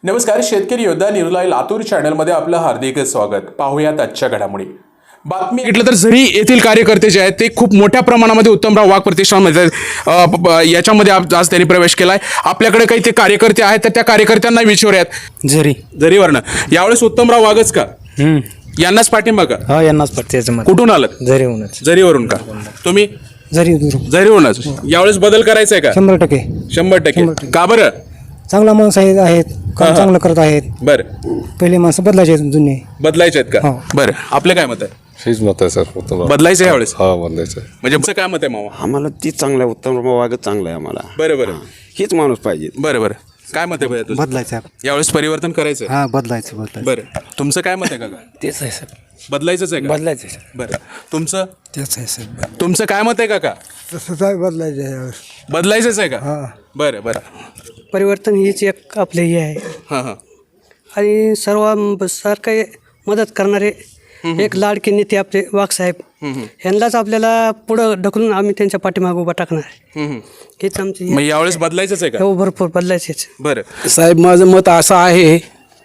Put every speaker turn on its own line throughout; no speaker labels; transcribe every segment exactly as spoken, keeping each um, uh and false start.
नमस्कार, शेतकरी योद्धा निर्लय लातूर चॅनलमध्ये आपलं हार्दिक स्वागत. पाहूयात आजच्या घडामोडी. बातमी घेतलं तर झरी येथील कार्यकर्ते जे आहेत ते खूप मोठ्या प्रमाणामध्ये उत्तमराव वाघ प्रतिष्ठानमध्ये याच्यामध्ये आज त्यांनी प्रवेश केलाय. आपल्याकडे काही ते कार्यकर्ते आहेत तर त्या कार्यकर्त्यांना विचारूयात.
झरी
झरीवरनं यावेळेस उत्तमराव वाघच का?
हम्म
यांनाच पाठिंबा का?
हा यांनाच पडते.
कुठून आलं?
झरीहूनच.
झरीवरून का? तुम्ही?
झरी
झरीवरूनच. यावेळेस बदल करायचा आहे का?
शंभर टक्के
शंभर टक्के का बरं?
चांगला माणूस आहेत आहेत काम चांगलं करत आहेत.
बरं,
पहिले माणसं बदलायचे आहेत जुने.
बदलायचे आहेत का?
हो.
बरं, आपलं काय मत आहे?
हेच मत आहे सर. उत्तम
बदलायचं यावेळेस?
हा बदलायचं आहे.
म्हणजे तुमचं काय मत आहे मामा?
आम्हाला तीच चांगलं आहे. उत्तम वागत चांगलं आहे आम्हाला.
बरं बरं
हीच माणूस पाहिजे.
बरं बरं काय मत आहे भैया तुझं?
बदलायचं
यावेळेस परिवर्तन करायचं आहे?
हा बदलायचं बदलायचं
बरं, तुमचं काय मत आहे काका?
तेच आहे सर.
बदलायचंच आहे का?
बदलायचं सर.
बरं, तुमचं
तेच आहे सर.
तुमचं काय मत आहे काका?
तसंच आहे बदलायचं.
बदलायचंच आहे का?
हा
बरं बरं
परिवर्तन हीच एक आपले हे आहे
हां हां
आणि सर्व सारखे मदत करणारे एक लाडके नेते आपले वाघसाहेब ह्यांनाच आपल्याला पुढं ढकलून आम्ही त्यांच्या पाठीमागे उभा टाकणार आहे. हेच आमची
मग यावेळेस बदलायचंच आहे का?
हो भरपूर बदलायचेच.
बरं
साहेब, माझं मत असं आहे,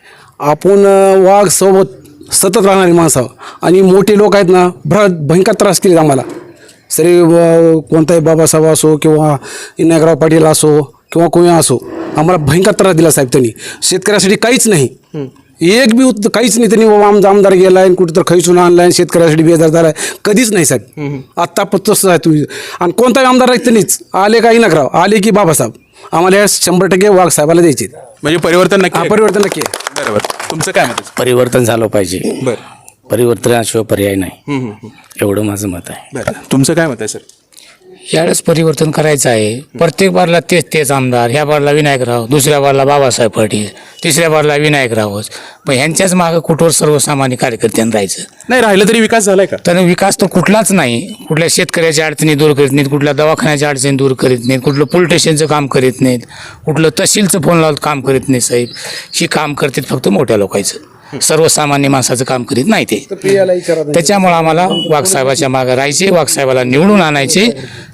आपण वाघ सोबत सतत राहणारी माणसं आणि मोठे लोक आहेत ना, भर भयंकर त्रास केले आम्हाला. सरी कोणताही बाबासाहेब असो किंवा इनायकराव पाटील असो किंवा कोणी असो, आम्हाला भयंकर त्रास दिला साहेब त्यांनी. शेतकऱ्यासाठी काहीच नाही, एक बी उत्त काहीच नाही. त्यांनी बाबा आमचा आमदार गेला आहे कुठं तर खैसून आणला आहे, शेतकऱ्यासाठी बेजार झाला आहे, कधीच नाही साहेब. आत्ता पण तसंच आहे तुम्ही. आणि कोणताही आमदार आहे त्यांनीच आले का इनायकराव आले की बाबासाहेब, आम्हाला या शंभर टक्के वाघ साहेबाला द्यायचे.
म्हणजे परिवर्तन नक्की
हा
आहे?
परिवर्तन नक्की आहे.
बरं बरं, तुमचं काय मत आहे?
परिवर्तन झालं पाहिजे.
बरं
परिवर्तनाशिवाय पर्याय नाही,
हम्म, हम्म, हम्म.
एवढं माझं मत आहे.
बरं, तुमचं काय मत आहे सर?
यावेळेस परिवर्तन करायचं आहे. प्रत्येक बारला तेच तेच आमदार. ह्या बारला विनायकराव, दुसऱ्या बारला बाबासाहेब पाटील, तिसऱ्या बारला विनायकरावच. पण ह्यांच्याच मागं कुठवर सर्वसामान्य कार्यकर्त्यांना राहायचं.
नाही, राहिलं तरी विकास झालाय का?
तर विकास तर कुठलाच नाही. कुठल्या शेतकऱ्याच्या अडचणी दूर करीत नाहीत, कुठल्या दवाखान्याच्या अडचणी दूर करीत नाहीत, कुठलं पोलीस स्टेशनचं काम करीत नाहीत, कुठलं तहसीलचं फोन लावून काम करीत नाही साहेब. ही काम करतात फक्त मोठ्या लोकांचं, सर्वसामान्य माणसाचं काम करीत नाही ते. त्याच्यामुळं आम्हाला वाघसाहेबाच्या मागं राहायचे, वाघसाहेबाला निवडून आणायचे.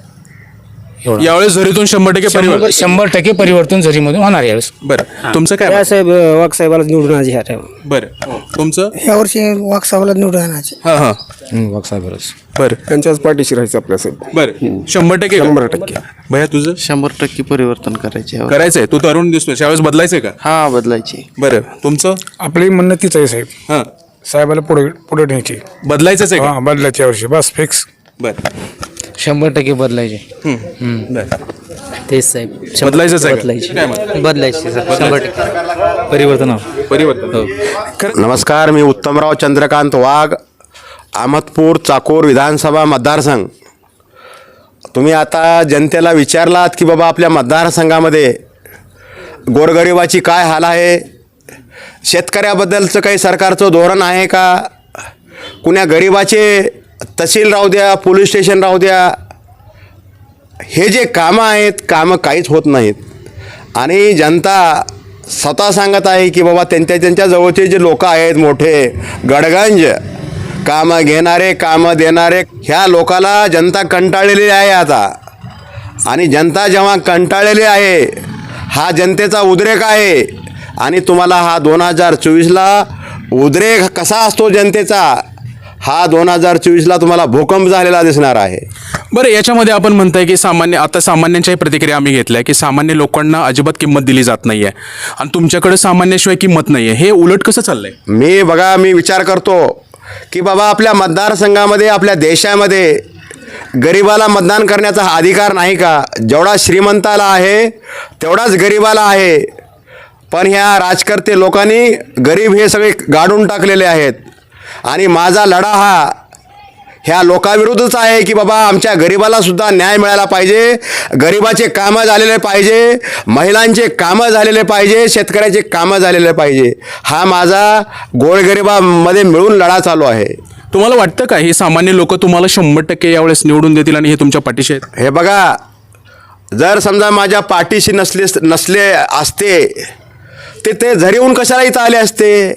एवढं
यावेळेस झरीतून शंभर टक्के
शंभर
परिवर्तन.
शंभर टक्के परिवर्तन झरीमधून होणार यावेळेस.
बरं, तुमचं काय मत?
साहेब वाघसाहेबाला निवडून आणायचे ह्या टाइम.
बरं, तुमचं?
यावर्षी वाघसाहेबाला निवडून आणायचे.
हां हां
वाघसाहेबच.
बरं
त्यांच्याच पाठीशी राहायचं आपल्या साहेब.
बरं, शंभर टक्के शंभर टक्के भैया तुझं?
शंभर टक्के परिवर्तन करायचे.
करायचंय. तू तरुण दिसतोय, यावेळेस बदलायचंय का?
हा बदलायचे.
बरं, तुमचं?
आपली म्हणणं तीच आहे साहेब,
हां,
साहेबाला पुढे पुढे न्यायची.
बदलायचंच आहे का?
हा बदलायच्या वर्षी बस फिक्स.
बरं
शंभर टक्के बदलायचे.
बरं,
तेच साहेब.
बदलायचंच आहे का? काय मत?
बदलायचे सर. शंभर टक्के परिवर्तन.
परिवर्तन.
नमस्कार, मी उत्तमराव चंद्रकांत वाघ, अहमदपूर चाकोर विधानसभा मतदारसंघ. तुम्ही आता जनतेला विचारलात की बाबा आपल्या मतदारसंघामध्ये गोरगरिबाची काय हाल आहे, शेतकऱ्याबद्दलचं काही सरकारचं धोरण आहे का, कुण्या गरिबाचे तहसील राहू द्या, पोलीस स्टेशन राहू द्या, हे जे कामं आहेत कामं काहीच होत नाहीत. आणि जनता स्वतः सांगत आहे की बाबा त्यांच्या त्यांच्या जवळचे जे लोक आहेत मोठे गडगंज कामं घेणारे कामं देणारे, ह्या लोकाला जनता कंटाळलेली आहे आता. आणि जनता जेव्हा कंटाळलेली आहे, हा जनतेचा उद्रेक आहे. आणि तुम्हाला हा दोन हजार चोवीसला उद्रेक कसा असतो जनतेचा, हा दोन हजार चोवीसला तुम्हाला भूकंप झालेला दिसणार आहे.
बरं, याच्यामध्ये आपण म्हणताय की सामान्य आता सामान्यांच्याही प्रतिक्रिया आम्ही घेतल्या की सामान्य लोकांना अजिबात किंमत दिली जात नाहीये आणि तुमच्याकडे सामान्याशिवाय किंमत नाहीये. हे उलट कसं चाललंय?
मी बघा मी विचार करतो की बाबा आपल्या मतदारसंघामध्ये आपल्या देशामध्ये गरिबाला मतदान करण्याचा हा अधिकार नाही का? जेवढा श्रीमंताला आहे तेवढाच गरिबाला आहे. पण ह्या राजकर्ते लोकांनी गरीब हे सगळे गाडून टाकलेले आहेत. आणि माझा लढा हा ह्या लोकाविरुद्धच आहे की बाबा आमच्या गरिबालासुद्धा न्याय मिळाला पाहिजे, गरिबाचे कामं झालेले पाहिजे, महिलांचे कामं झालेले पाहिजे, शेतकऱ्याचे कामं झालेले पाहिजे. हा माझा गोरगरिबामध्ये मिळून लढा चालू आहे.
तुम्हाला वाटतं का हे सामान्य लोक तुम्हाला शंभर टक्के यावेळेस निवडून देतील आणि हे तुमच्या पाठीशी आहेत?
हे बघा, जर समजा माझ्या पाठीशी नसले नसले असते ते ते झरीहून कशाला इथं आले असते?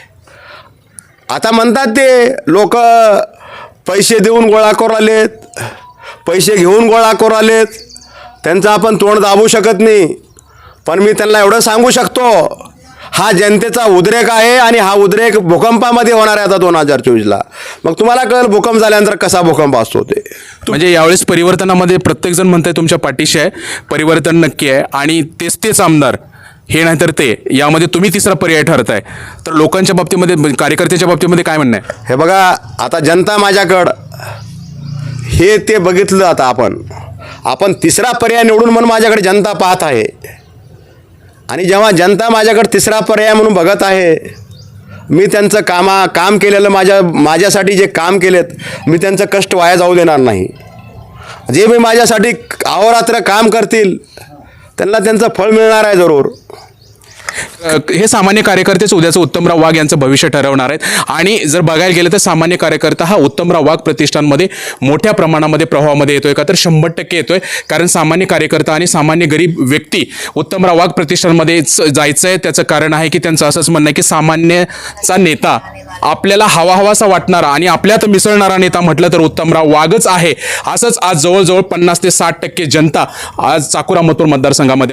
आता म्हणतात ते लोक पैसे देऊन गोळा करू आलेत, पैसे घेऊन गोळा करू आलेत, त्यांचं आपण तोंड दाबू शकत नाही. पण मी त्यांना एवढं सांगू शकतो, हा जनतेचा उद्रेक आहे आणि हा उद्रेक भूकंपामध्ये होणार आहे आता दोन हजार चोवीसला. मग तुम्हाला कळेल भूकंप झाल्यानंतर कसा भूकंप असतो ते.
म्हणजे यावेळेस परिवर्तनामध्ये प्रत्येकजण म्हणतंय तुमच्या पाठीशी आहे, परिवर्तन नक्की आहे आणि तेच तेच आमदार हे नाही तर ते, यामध्ये तुम्ही तिसरा पर्याय ठरताय. तर लोकांच्या बाबतीमध्ये, कार्यकर्त्याच्या बाबतीमध्ये काय म्हणणं आहे?
हे बघा, आता जनता माझ्याकडं हे ते बघितलं. आता आपण आपण तिसरा पर्याय निवडून म्हणून माझ्याकडे जनता पाहत आहे आणि जेव्हा जनता माझ्याकडे तिसरा पर्याय म्हणून बघत आहे, मी त्यांचं कामा काम केलेलं माझ्या माझ्यासाठी जे काम केलेत मी त्यांचं कष्ट वाया जाऊ देणार नाही. जे मी माझ्यासाठी अहोरात्र काम करतील त्यांना त्यांचं फळ मिळणार आहे जरूर.
अ, हे सामान्य कार्यकर्तेच उद्याचं उत्तमराव वाघ यांचं भविष्य ठरवणार आहेत. आणि जर बघायला गेलं तर सामान्य कार्यकर्ता हा उत्तमराव वाघ प्रतिष्ठानमध्ये मोठ्या प्रमाणामध्ये प्रभावामध्ये येतोय का, तर शंभर टक्के येतोय. कारण सामान्य कार्यकर्ता आणि सामान्य गरीब व्यक्ती उत्तमराव वाघ प्रतिष्ठानमध्ये जायचं आहे. त्याचं कारण आहे की त्यांचं असंच म्हणणं आहे की सामान्यचा नेता आपल्याला हवा हवासा वाटणारा आणि आपल्यात मिसळणारा नेता म्हटलं तर उत्तमराव वाघच आहे. असंच आज जवळजवळ पन्नास ते साठ टक्के जनता आज चाकूर अहमदपूर मतदारसंघामध्ये